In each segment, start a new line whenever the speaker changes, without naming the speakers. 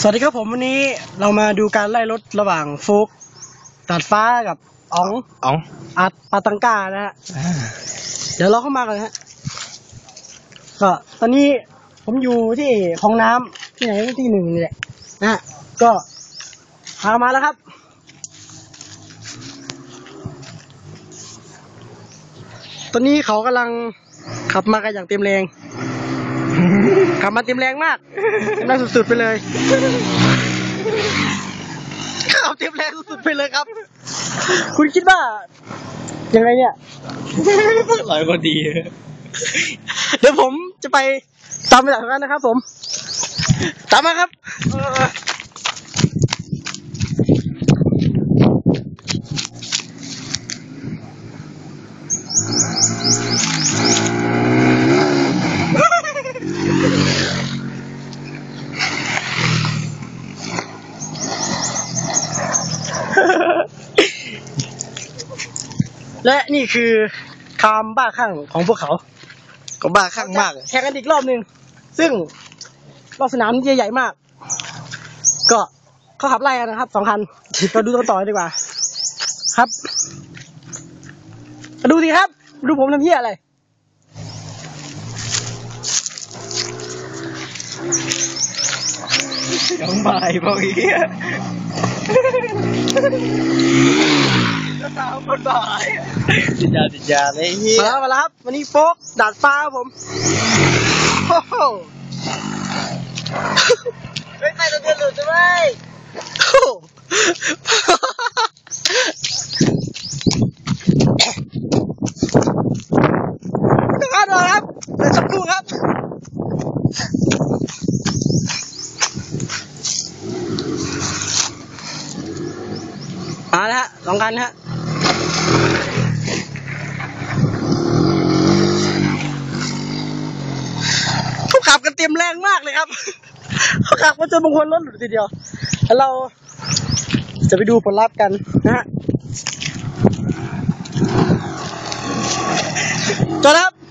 สวัสดีครับผมวันนี้เรามาดูการไล่รถระหว่างฟุกตัดฟ้ากับอ๋องอัดปาตังก้านะฮะเดี๋ยวเราเข้ามากันฮะก็ตอนนี้ผมอยู่ที่คลองน้ำที่ไหนที่หนึ่งนี่แหละนะฮะก็พามาแล้วครับตอนนี้เขากำลังขับมากันอย่างเต็มแรงขับมาเต็มแรงมากเต็มแรงสุดๆไปเลยขับเต็มแรงสุดๆไปเลยครับคุณคิดว่ายังไงเนี่ย
ร้อยก็ดี
เดี๋ยวผมจะไปตามไปจากนั้นนะครับผมตามมาครับและนี่คือความบ้าคลั่งของพวกเขา
ก็บ้าคลั่งมาก
แข่งกันอีกรอบหนึ่งซึ่งรอบสนามใหญ่ๆมากก็เขาขับไล่กันนะครับ2 คันเราดูกันต่อดีกว่าครับมาดูสิครับดูผมทำเหี้ยอะไร
ยังบ่ายพออีกก็ตามคนบ่ายติดยาเลยเฮีย
มาแล้วครับวันนี้โฟกดาดฟ้าครับผมโอ้โห
ไม่ใครจะเดือดหลุดใช่ไหม
ครับรอครับเดี๋ยวสักครู่ครับมาแล้วฮะ2 คันฮะเขาขับกันเต็มแรงมากเลยครับเขาขับมาจนบางคนรถหลุดทีเดียวแล้วเราจะไปดูผลลัพธ์กันนะฮะจอดครับ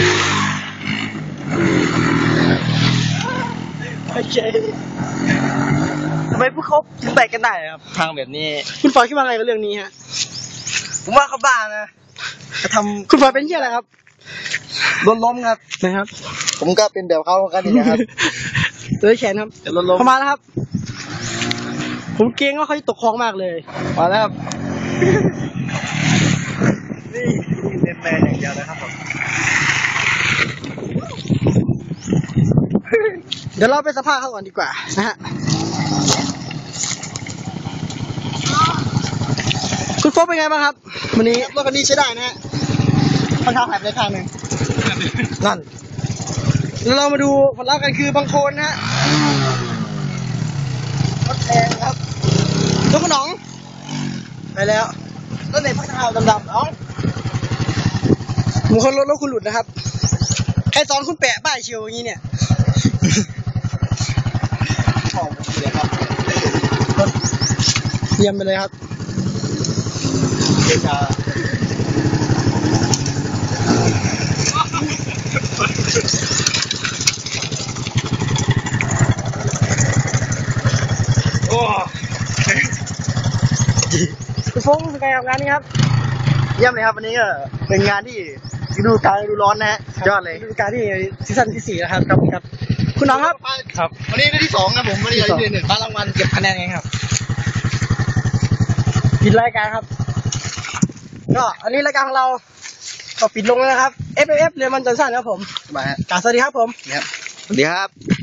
โอเค
ทำไมพวกเขาถึงไปกันได้ครับทางแบบนี้
คุณฟอยคิดว่าไงกับเรื่องนี้ฮะ
ผมว่าเขาบ้านะจะทำ
คุณฟอยเป็นเหี้ยอะไรครับ
ล้มครับ
นะครับ
ผมก็เป็นแบบเขากันนี่นะครับ
เลยแขนครับ
จะล้ม
เข้ามาแล้วครับผมเกรงว่าเขาจะตกคลองมากเลย
มาแล้วครับนี่เป็นแมนอย่างเดียวนะครับผม
เดี๋ยวเราไปสัมภาษณ์เขาก่อนดีกว่านะฮะคุณโฟกเป็นไงบ้างครับวันนี้
รถคันนี้ใช้ได้นะฮะ
ค่อนข้างหายไปข้างหนึ่ง
นั่น
แล้วเรามาดูผลลัพธ์กันคือบางคนนะฮะรถแรงครับรถขนมไปแล้ว
รถไหนพักเท้าดำๆอ๋
อบางคนรถคุณหลุดนะครับใครสอนคุณแปะป้ายเชียวอย่างนี้เนี่ยเยี่ยมไปเลยครับ
โอ้
คุณฟงเป็นไงกับงานนี้ครับ
เยี่ยมเลยครับวันนี้ก็เป็นงานที่ฤดูกาลฤดูร้อนนะฮะยอดเลย
ฤดูกาลที่ซีซั่นที่4แล้วครับครับคุณน้องครับ
ครับวันนี้ได้ที่2ครับผมวันนี้ได้ที่1รางวัลเก็บคะแนนไงครับ
ปิดรายการครับก็อันนี้รายการของเราก็ปิดลงแล้วนะครับ FF เรียนมันจันทร์ครับผม
มาฮะ
สวัสดีครับผม
สวัสดีครับ